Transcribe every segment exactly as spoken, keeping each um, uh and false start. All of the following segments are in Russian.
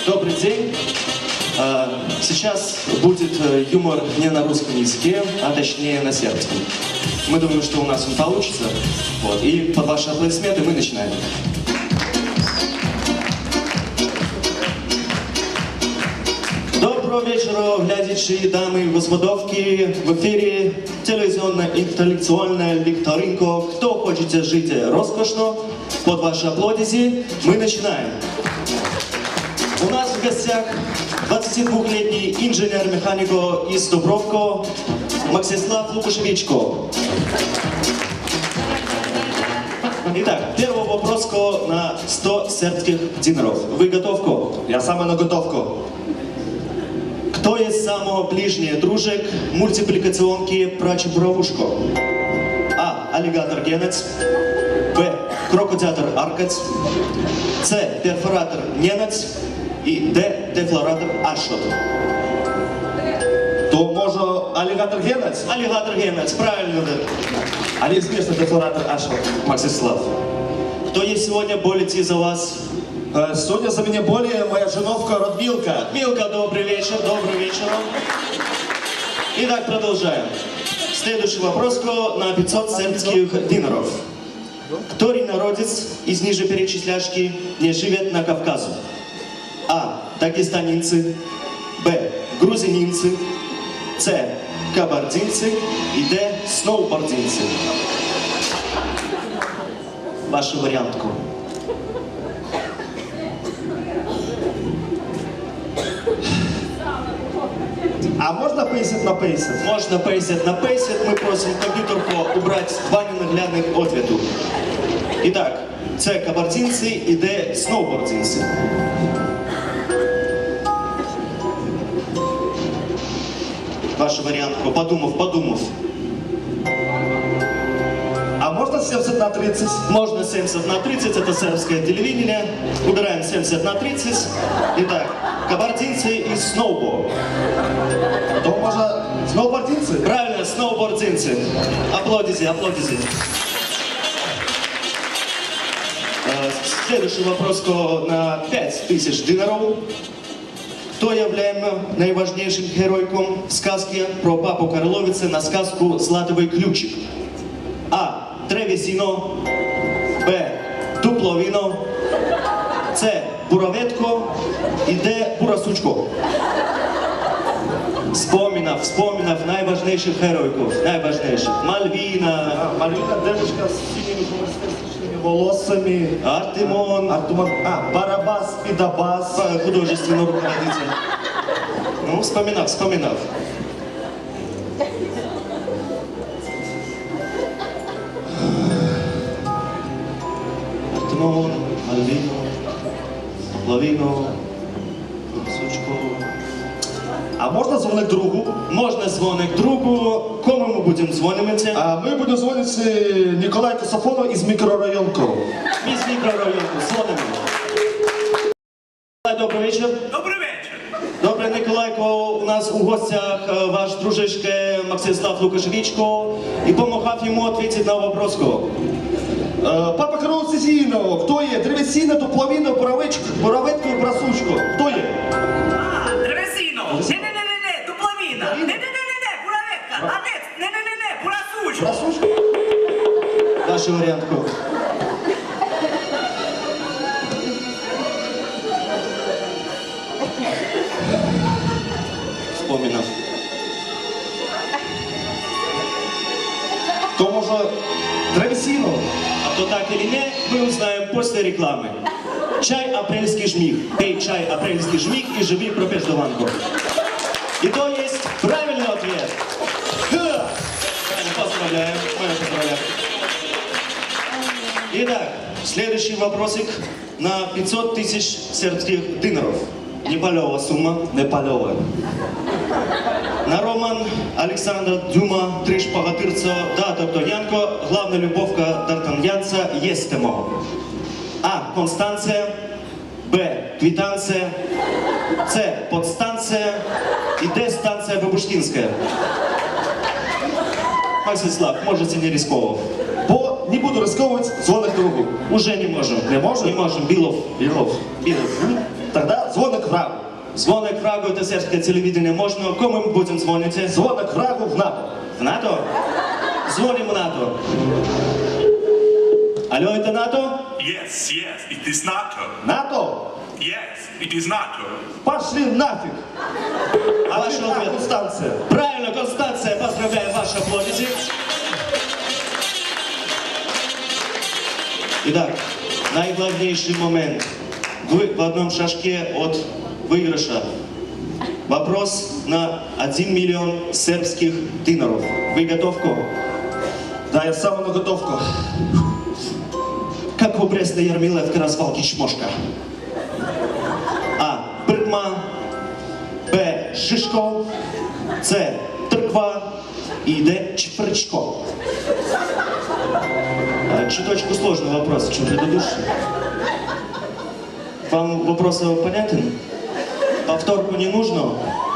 Добрый день. Сейчас будет юмор не на русском языке, а точнее на сербском. Мы думаем, что у нас он получится. Вот. И под ваши аплодисменты мы начинаем. Доброго вечора, глядачи, дамы и господовки. В эфире телевизионно-интеллектуальная викторинка «Кто хочет жить роскошно?» Под ваши аплодисменты мы начинаем. У нас в гостях двадцатидвухлетний инженер-механико из Дубровка Максислав Лукашевичко. Итак, первый вопрос на сто сербских динаров. Вы готовко? Я саме на готовку. Кто есть самый ближний дружек мультипликационки про Чебуровушку? А. Аллигатор Генец. Б. Крокодиатор Аркац. С. Перфоратор Ненец. И Д. Дефлоратор Ашот. То може алігатор Генец? Аллигатор Генец, правильно, да. А неизвестно дефлоратор Ашот. Максислав. Кто есть сегодня болите за вас? Э, Сегодня за меня более моя женовка Радмилка. Милка, добрый вечер, добрый вечер. Итак, продолжаем. Следующий вопрос на пятьсот сербских динаров. Который народец из ниже перечисляшки не живет на Кавказу? А. Дагестанинцы. Б. Грузининцы. С. Кабардинцы. И Д. Сноубординцы. Вашу вариантку. А можно пейсет на пейсет? Можно пейсет на пейсет. Мы просим компьютерку убрать два ненаглядных ответу. Итак, С. Кабардинцы и Д. Сноубординцы. Ваша вариантка, подумав, подумав. А можно семьдесят на тридцать? Можно семьдесят на тридцать, это сербское телевидение. Убираем семьдесят на тридцать. Итак, кабардинцы и сноуборд. То може сноубординцы? Правильно, сноубординцы. Аплодите, аплодите. Следующий вопрос на пять тысяч динаров. Кто является наиважнейшим геройком в сказке про папу Карловицы на сказку «Златовый ключик»? А. Древесино. Б. Дупловино. С. Буроветко. И Д. Бурасучко. Вспоминав, вспоминав наиважнейших геройков, наиважнейших. Мальвина. А, Мальвина девушка с синими хумористичными волосами. Артемон. Артемон. А, Барабас, Пидабас. Художественный руководитель. Ну, вспоминав, вспоминав. Артемон, Мальвино, Лавино, Сучко. А можно дзвонити другу? Можна дзвонити другу. Кому ми будемо дзвонити? А ми будемо дзвонити Ніколаю Сафону із мікрорайонку. Ми з мікрорайонку дзвонимо. Добрий вечір. Добрий вечір. Добре, Николайко, у нас у гостях ваш дружишке Максислав Лукашевичко. І помогав йому відповідати на вопрос. Папа Карловиці Зінового. Хто є? Древесина, Дупловіна, Буровечко, Буроветко і Брасучко. Хто є? А, древесино. Не-не-не-не, дупловіна. Не-не-не-не, бураветка. А не, не-не-не-не, бурасучко. Брасучко? Вашу варіантку. Вспоминав. То може Древесино? А то так или не, мы узнаем после рекламы. Чай апрельский жмих. Пей чай апрельский жмих и живи пропеждованку. И то есть правильный ответ. Да. Поздравляем. Мы поздравляем. Итак, следующий вопросик на пятьсот тысяч сербских динаров. Непалева сумма. Непальова. На роман Александра Дюма «Три шпагатырца» да, Д'Артаньянко, главная любовка Д'Артаньянца «Естемо». А. Констанция. Б. Квитанция. С. Подстанция. И Д. Станция Бабушкинская. Максислав, можете не рисковать. Бо не буду рисковувати, дзвонить другу. Уже не можем. Не можем? Не можем. Билов. Білов. Билов. Тогда звонок врагу. Дзвоник врагу та сербське телевидение можна. Кому ми будемо дзвонити? Звонок врагу в НАТО. В НАТО? Дзвонимо НАТО. Алло, это НАТО? Yes, yes, it is NATO. НАТО? Yes, it is NATO. Пошли нафиг. А ваш Ответ ответ? Констанция. Правильно, Констанция, поздравляю, ваши аплодисы. Итак, наиглавнейший момент. Вы в одном шажке от выигрыша. Вопрос на один миллион сербских динаров. Вы готовку? Да, я сам на готовку. Как у Бреста Ярмилевка развалки Шмошка? А. Бркма. Б. Шишко. С. Трква. И Д. Чпрчко. А, чуточку сложный вопрос, чем предыдущий. Вам вопрос понятен? Повторку не нужно?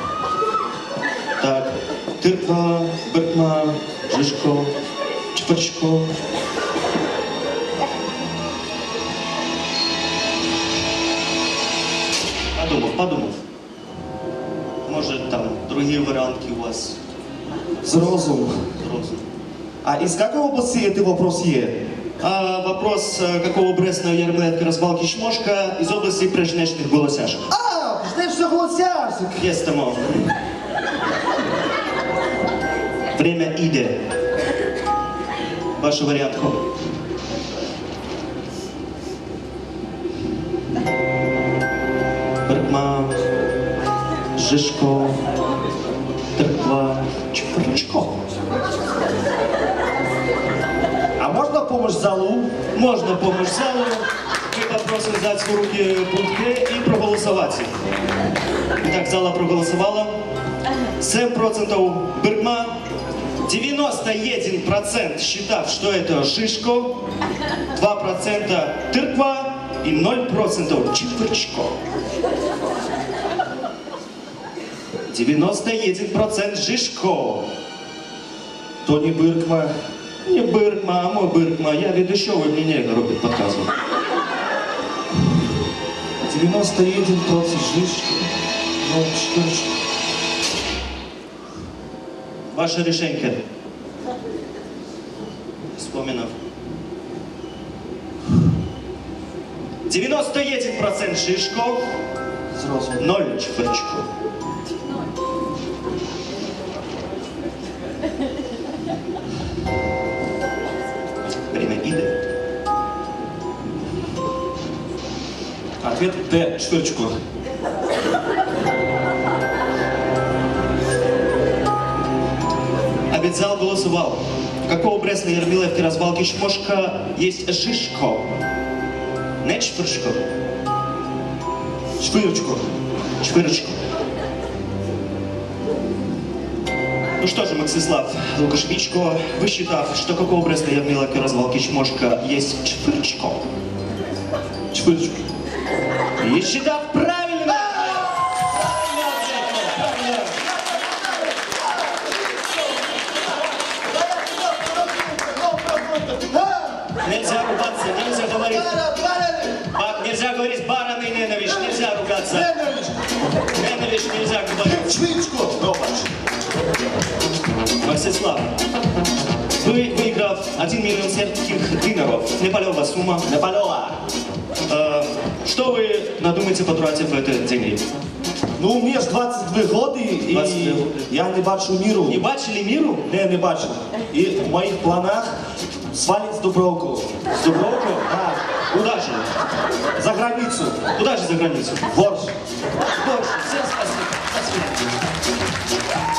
Так. Тырква, Бркма, Шишко, Чпрчко. Подумав, подумав. Може там другі варіанти у вас Зрозум. розум. А из какой области это вопрос е? А вопрос, э, какого Брестного Ярмилетка развалки Шмошка из области прежнешних голосяшек. А, знаешь, что голосяшек. Есть тому. Время иде. Ваша вариантка. Бркма, Жишко, Трква, Чпрчко. А можно помощь залу? Можно помощь залу. Мы попросим взять в руки пункты и проголосовать. Итак, зала проголосовала. семь процентов Бркма, девяносто один процент считав, что это Шишко, два процента Тырква и ноль процентов Чпрчко. девяносто один процент Жишко. То не Быркма. Не Быркма, а мой Быркма. Я ведущий, вы мне не робит показывал. девяносто один процент Жишко. Ну, Чпрчко. Ваше решение. Вспоминав. девяносто один процент Шишко, Зрозум. ноль Чпрчко. Время иде. Ответ Д. Чпрчко. А ведь зал голосовал. Какого Брестной Ярмилевки развалки Шмошка есть Шишко? Не Чпрчко. Чпырчко. Чпырчко. Ну что же, Максислав Лукашевичко, высчитав, что какого Брестной Ярмилевки развалки Шмошка есть Чпырчко. Чпырчко. И считав правильно! Нельзя ругаться, нельзя говорить. Ба- Нельзя говорить бараны и ненависть, нельзя ругаться. Ненависть нельзя говорить. Чпырчко. Максислав, вы, выиграв один миллион сербских динаров, непалева сумма, Непалева. э, что вы надумаете потратить в эти деньги? Ну, мне ж двадцять два года і двадцять два годи. я не бачу міру. Не бачили миру? Не, не бачу. І в моїх планах свалить з Дубровку. С Дубровку? Так, Куда же? за границю. Куда же за границу? Борщ. Больше. Всем спасибо. До свидания.